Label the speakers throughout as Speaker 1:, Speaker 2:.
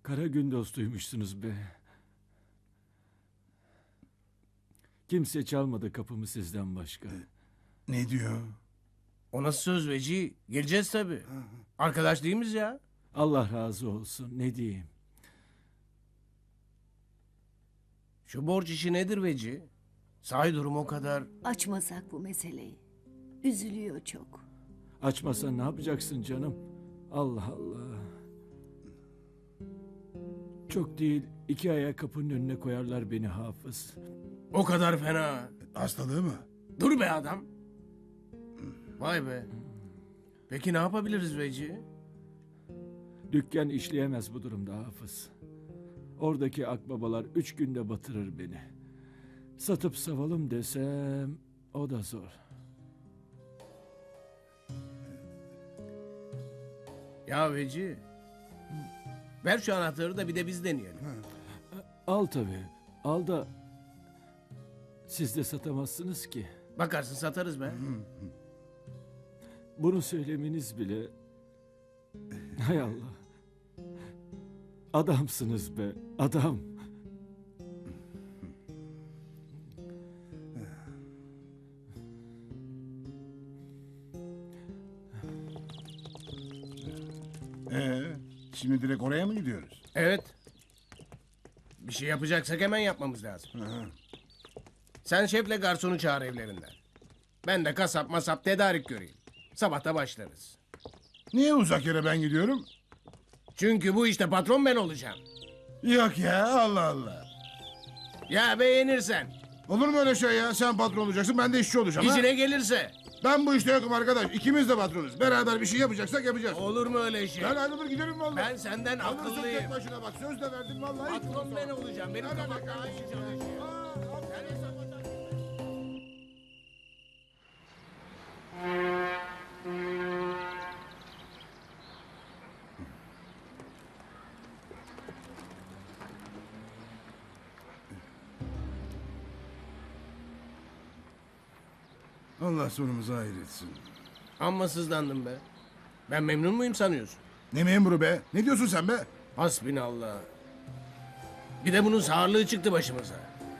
Speaker 1: Kara gün dostuymuşsunuz be. Kimse çalmadı kapımı sizden başka.
Speaker 2: Ne diyor?
Speaker 3: O nasıl söz Veci? Gireceğiz tabii. Arkadaş değil miyiz ya?
Speaker 1: Allah razı olsun, ne diyeyim.
Speaker 3: Şu borç işi nedir Veci? Sahi durum o kadar.
Speaker 4: Açmasak bu meseleyi. Üzülüyor çok.
Speaker 1: Açmasan ne yapacaksın canım? Allah Allah. Çok değil, 2 aya kapının önüne koyarlar beni Hafız.
Speaker 3: O kadar fena.
Speaker 2: Hastalığı mı?
Speaker 3: Dur be adam. Vay be. Peki ne yapabiliriz Veci?
Speaker 1: Dükkan işleyemez bu durumda Hafız. Oradaki akbabalar 3 günde batırır beni. Satıp savalım desem o da zor.
Speaker 3: Ya Veci. Ver şu anahtarı da bir de biz deneyelim.
Speaker 1: Al tabii, al da siz de satamazsınız ki.
Speaker 3: Bakarsın satarız be.
Speaker 1: Bunu söylemeniz bile... Hay Allah. Adamsınız be, adam.
Speaker 2: Şimdi direkt oraya mı gidiyoruz?
Speaker 3: Evet. Bir şey yapacaksak hemen yapmamız lazım. Sen şefle garsonu çağır evlerinden. Ben de kasap masap tedarik göreyim. Sabahta başlarız.
Speaker 2: Niye uzak yere ben gidiyorum?
Speaker 3: Çünkü bu işte patron ben olacağım.
Speaker 2: Yok ya, Allah Allah.
Speaker 3: Ya beğenirsen,
Speaker 2: Olur mu öyle şey ya? Sen patron olacaksın, ben de işçi olacağım. ha?
Speaker 3: işine gelirse.
Speaker 2: Ben bu işte yokum arkadaş. İkimiz de patronuz. Beraber bir şey yapacaksak yapacağız.
Speaker 3: Olur mu öyle şey?
Speaker 2: Ben ayrılır giderim vallahi.
Speaker 3: Ben senden
Speaker 2: Alırsın
Speaker 3: akıllıyım.
Speaker 2: tek başına bak. Söz de verdim vallahi.
Speaker 3: Patron ben olacağım. Benim
Speaker 2: Hadi
Speaker 3: kafam
Speaker 2: bakalım.
Speaker 3: daha iyi çalışıyor. Sen hesap eder.
Speaker 2: Allah sonumuzu hayır etsin.
Speaker 3: Amma sızlandım be. Ben memnun muyum sanıyorsun?
Speaker 2: Ne memuru be? Ne diyorsun sen be?
Speaker 3: Hasbinallah. Bir de bunun sağırlığı çıktı başımıza.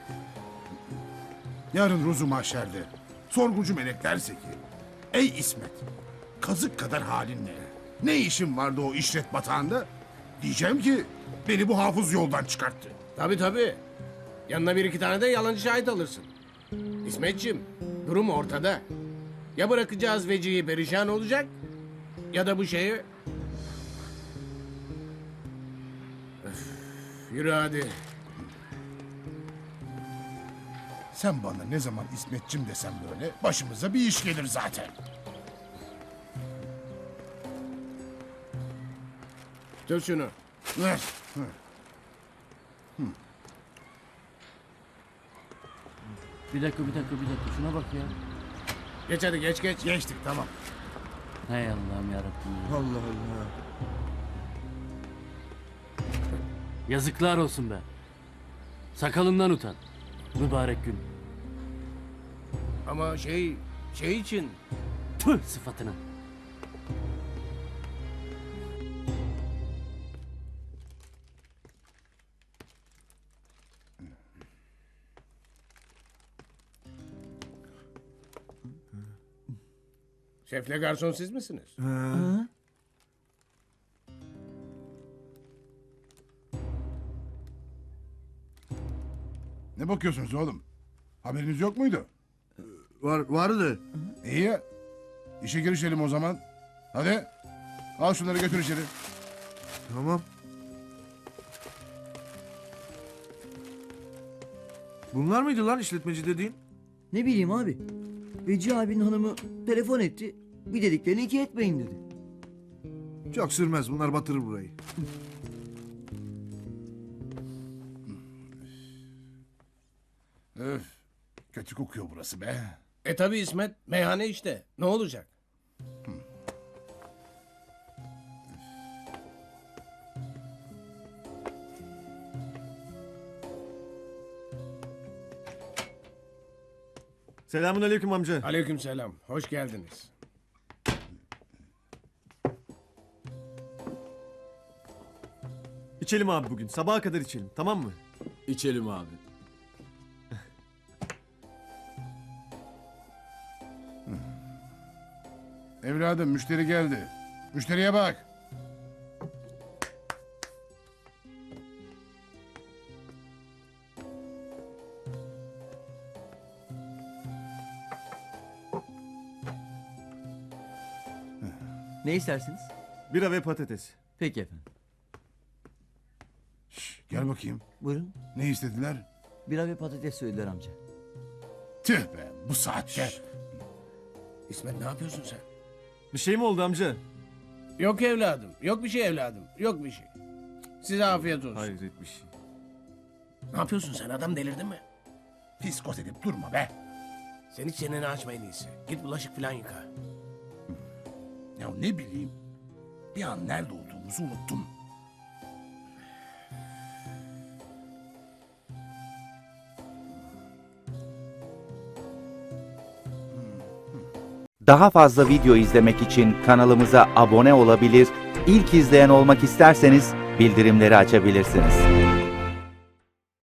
Speaker 2: Yarın ruzu mahşerde sorgucu melek derse ki: Ey İsmet, kazık kadar halin ne? Ne işin vardı o işlet batağında? Diyeceğim ki beni bu hafız yoldan çıkarttı.
Speaker 3: Tabii tabii. Yanına bir iki tane de yalancı şahit alırsın. İsmetciğim, durum ortada. Ya bırakacağız Veci'yi perişan olacak ya da bu şeyi... Öf, yürü hadi.
Speaker 2: Sen bana ne zaman İsmetçim desem böyle başımıza bir iş gelir zaten.
Speaker 3: Tut şunu.
Speaker 2: Ver.
Speaker 5: Bir dakika. Şuna bak ya.
Speaker 3: Geç hadi geç.
Speaker 2: Geçtik tamam.
Speaker 5: Hay Allah'ım yarabbim ya.
Speaker 2: Allah Allah.
Speaker 5: Yazıklar olsun be. Sakalından utan. Mübarek gün.
Speaker 3: Ama şey için...
Speaker 5: Tüh sıfatına.
Speaker 3: Şefle garson siz misiniz?
Speaker 2: Ne bakıyorsunuz oğlum? Haberiniz yok muydu?
Speaker 6: Vardı.
Speaker 2: İyi ya. İşe girişelim o zaman. Hadi. Al şunları götür içeri.
Speaker 6: Tamam. Bunlar mıydı lan işletmeci dediğin?
Speaker 7: Ne bileyim abi. Veci abinin hanımı telefon etti. Bir dediklerini iki etmeyin dedi.
Speaker 6: Çok sürmez, bunlar batırır burayı.
Speaker 2: Öf. Kötü kokuyor burası be.
Speaker 3: Tabii İsmet, meyhane işte. Ne olacak?
Speaker 6: Selamünaleyküm amca.
Speaker 3: Aleykümselam, hoş geldiniz.
Speaker 6: İçelim abi bugün. Sabaha kadar içelim. Tamam mı?
Speaker 8: İçelim abi.
Speaker 2: Evladım müşteri geldi. Müşteriye bak.
Speaker 7: Ne istersiniz?
Speaker 6: Bira ve patates.
Speaker 7: Peki efendim.
Speaker 2: Gel bakayım.
Speaker 7: Buyurun.
Speaker 2: Ne istediler?
Speaker 7: Bira ve patates söylediler amca.
Speaker 2: Tüh be bu saatte.
Speaker 3: İsmet ne yapıyorsun sen?
Speaker 6: Bir şey mi oldu amca?
Speaker 3: Yok evladım. Yok bir şey evladım. Yok bir şey. Size afiyet olsun.
Speaker 6: Hayret bir şey.
Speaker 3: Ne yapıyorsun sen? Adam delirdin mi?
Speaker 2: Fiskos edip durma be.
Speaker 3: Sen hiç çeneni açma en iyisi. Git bulaşık falan yıka.
Speaker 2: Ya ne bileyim. Bir an nerede olduğumuzu unuttum.
Speaker 9: Daha fazla video izlemek için kanalımıza abone olabilir, ilk izleyen olmak isterseniz bildirimleri açabilirsiniz.